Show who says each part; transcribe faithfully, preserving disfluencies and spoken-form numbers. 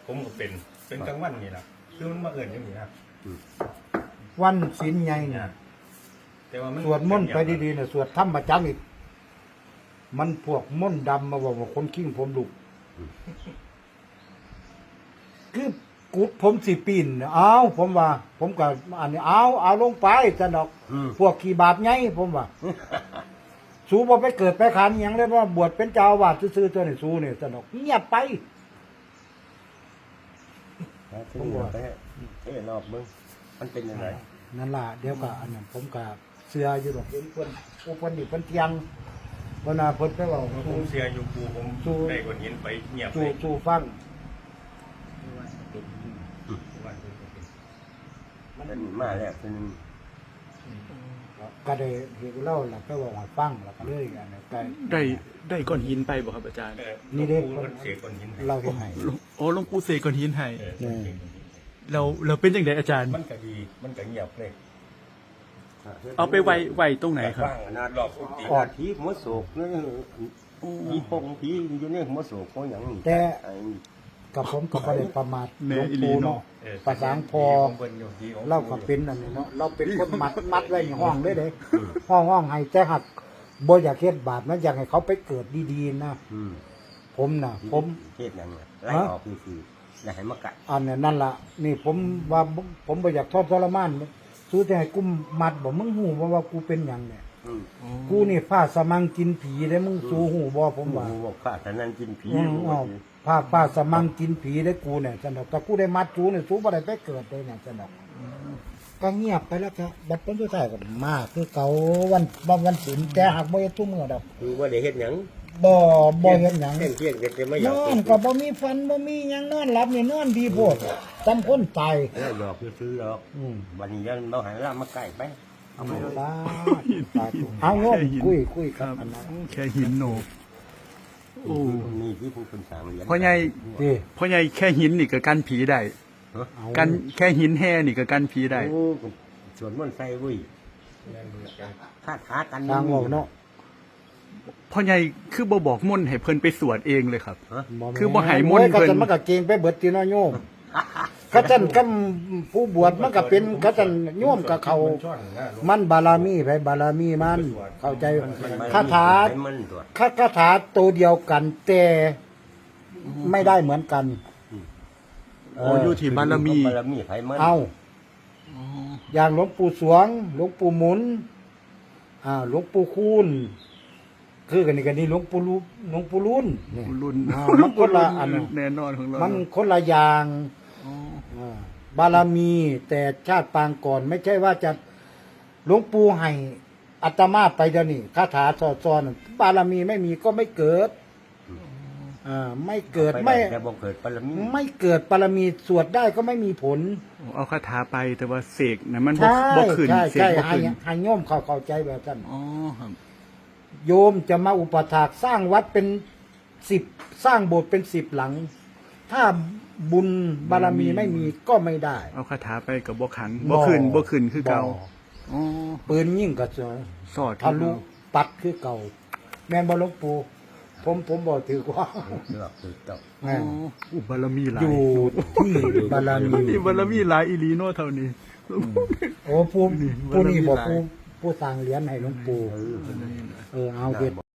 Speaker 1: ผมก็เป็นเป็นกลางวันนี่แหละคือมันมาเอิ่นอย่างนี้ครับ
Speaker 2: วันศีลใหญ่เนี่ย
Speaker 1: แต่ว่ามัน
Speaker 2: สวดมนต์ไปดีๆเนี่ยสวดธรรมประจำอีกมันพวกมนต์ดำมาบอกว่าคนขิ้งผมลุกคือกุดผมสิปีนเอาผมว่า ผมก็อันนี้เอาเอาลงไปจะดอก พวกขี่บาปไงผมว่า สู้บ่ไปเกิดไปขันอหย่างเลยว่าบวชเป็นเจ้าอาวาสซื่อๆตัวนี่สู้นี่จะดอกเงียบไป
Speaker 3: ผมบอกไปเอ้นอกมึงมันเป็นยังไง
Speaker 2: นั่นล่ะเดี๋ยวก็อันนั้นผมก็เสืออยู่ดอกเห็นเพิ่นผู้เพิ่นนี่เพิ่นเที่ยงเพิ่นน่ะเพิ่นไปเว้า
Speaker 1: ผมเสียอยู่ปูผม
Speaker 2: สู้
Speaker 1: ได้ก้อนหินไปเงียบเล
Speaker 2: สู่
Speaker 1: ย
Speaker 2: สู่ฟัง
Speaker 3: มันมาแล้วคือนึง
Speaker 2: ก็ได้เห็นเล่าแล้วก็บอกว่าฟังแล้วก็เลยกันก็
Speaker 4: ได้ได้ก้อนหินไปบ่ครับอาจารย์
Speaker 1: เออ
Speaker 2: นี่เด้
Speaker 1: ปูมันเสียก้อนหินให้
Speaker 2: เราเห็นให้
Speaker 4: โอ้หลวงปู่เสกก้อนหินให้
Speaker 1: เออเสียก้อนหิน
Speaker 4: เราเราเป็นจังไดอาจารย์
Speaker 1: มันก็ดีมันก็เงียบเลย
Speaker 4: เอาไปไว้ไว้ตรงไหนครับ
Speaker 1: ว่างขนาดรอบกุฏิ
Speaker 3: ออดผีหัวโศกนี่ผีปงผีอยู่ในหัวโศกของอย่างนี้
Speaker 2: แต่กับผมก็บ่ได้ประมาทหลวงปู่เนาะ
Speaker 1: เออ
Speaker 2: ภาษาพอ
Speaker 1: ของเพิ่นอยู่ที่ของ
Speaker 2: เราก็เป็นอันนี้เนาะเราเป็นคนมัดมัดไว้ในห้องเลยเด้ห้องห้องให้แต่หักบ่อยากเฮ็ดบาปนะอยากให้เขาไปเกิดดีๆนะผมน่ะ ผม
Speaker 3: เทศยังไงไล่ออกคือคืออย่าให้มากัด
Speaker 2: อันนี้นั่นล่ะนี่ผมว่าผมบ่อยากทอดทรมานสู้แต่ให้กูมัดบ่มึงหูบ่ว่ากูเป็นหยังเนี่ยกูนี่ผ้าสมังกินผีได้มึงสู้หูบ่ผมว่า
Speaker 3: บอกข้าแต่นั้นกินผี
Speaker 2: อืมอ้าวผ้าผ้าสมังกินผีได้กูเนี่ยจันดอกแต่กูได้มัดจูเนี่ยสู้บ่ได้ไปเกิดเลยเนี่ยจันดอกก็เงียบไปแล้วครับบัดเป็นตัวท้ายก็มาคือเก่าวันวันวันศีลแต่หากบ่เฮ็ดทุกมื้อดอก
Speaker 3: คือว่าได้เฮ็ดหยัง
Speaker 2: บ่บ่เฮ็ดหยัง
Speaker 3: เที่ยงเที่ยงแต่ไม่อยาก
Speaker 2: นอนก็บ่มีฟันบ่มีหยังนอนหลับนี่นอนดีโพดจำคนตาย
Speaker 3: แล้วหยอกซื้อหรอก
Speaker 2: อืม
Speaker 3: วันนี้ยังเราหันล่ามาใกล้ไปเอาไปเลย
Speaker 2: สาธุเอาโยมคุยคุย
Speaker 4: ค
Speaker 2: กั
Speaker 4: รั
Speaker 2: บบ อันนั้น
Speaker 4: แค่หินโหนโอ้
Speaker 3: นี่ที่ผู้เป็นสามเหรียญ
Speaker 4: พ่อใหญ่
Speaker 2: นี่
Speaker 4: พ่อใหญ่แค่หินนี่ก็กันผีได้
Speaker 2: เอา
Speaker 4: กันแค่หินแห่นี่ก็กันผีได้
Speaker 3: โอ้ส่วนมันใส่วุ้ยคาถากัน
Speaker 2: ทางออกเนาะ
Speaker 4: พ่อใหญ่คือบ่บอกมนต์ให้เพิ่นไปสวดเองเลยครับ
Speaker 3: ฮะ
Speaker 4: คือบ่ให้มนต์
Speaker 2: โอ้ย
Speaker 4: เพิ่น
Speaker 2: เขาจะมันก็เกรงไปเบิดที่น้อยโยมเขาจันกำผู้บวชมันก็เป็นเขาจันโยมกับเขา มันบารมีไปบารมีมันเข้าใจคาถา
Speaker 3: มันตัว
Speaker 2: คาคาถาตัวเดียวกันแต่ไม่ได้เหมือนกัน
Speaker 4: โอ้อยู่ที่บารมี
Speaker 3: บารมีไผมัน
Speaker 2: เอาอย่างหลวงปู่สวง หลวงปู่หมุน อ่า หลวงปู่คูณคือกันนี่กันนี่หลวงปู่ลูหลวงปู่รุ่นนี่
Speaker 4: รุ่น
Speaker 2: อ่ามันคนละอัน
Speaker 4: แน่นอนของเรา
Speaker 2: มันคนละอย่าง
Speaker 4: อ๋อ
Speaker 2: อ่าบารมี แต่ชาติปางก่อน ไม่ใช่ว่าจะหลวงปู่ให้อัตมาไปเดี๋ยวนี้คาถาสอดซ้อนบารมีไม่มีก็ไม่เกิด อ่า ไม่เกิดไม่
Speaker 3: แต่บ่เกิดบารมี
Speaker 2: ไม่เกิดบารมีสวดได้ก็ไม่มีผล
Speaker 4: เอาคาถาไปแต่ว่าเสกนะมันบ่
Speaker 2: ใช่
Speaker 4: บ่ขึ้น
Speaker 2: ใช่
Speaker 4: เสก
Speaker 2: ใช่
Speaker 4: บ่
Speaker 2: ให้
Speaker 4: ขึ้น
Speaker 2: ให้โยมเขาเข้าใจแบบนั้น
Speaker 4: อ๋อครับ
Speaker 2: โยมจะมาอุปถากสร้างวัดเป็นสิบสร้างโบสถ์เป็นสิบหลัง ถ้าบุญบารมีไม่มีก็ไม่ได้
Speaker 4: เอาคาถาไปกับบ่ขังบ่ขึ้นบ่ขึ้นคือเก่า
Speaker 2: บ่
Speaker 4: อ๋อ
Speaker 2: ปืนยิ่งกระเสือ
Speaker 4: สอด
Speaker 2: ทะลุปัดคือเก่า แม่นบ่หลวงปู่ผมผมบอกถือว่า
Speaker 3: เลือกคือเจ้า
Speaker 4: อ๋ออุบารมีหลา
Speaker 2: อย ยู่ที่บารมี
Speaker 4: นี่บารมีหลายอีหลีโนเท่านี้
Speaker 2: โอ้ผู้
Speaker 4: นี่
Speaker 2: ผู้นี่บอก
Speaker 4: บารมีหลาย
Speaker 2: ผู้ผู้สร้างเหรียญให้หลวงปู่
Speaker 3: เออ
Speaker 2: เออเอาเด็ด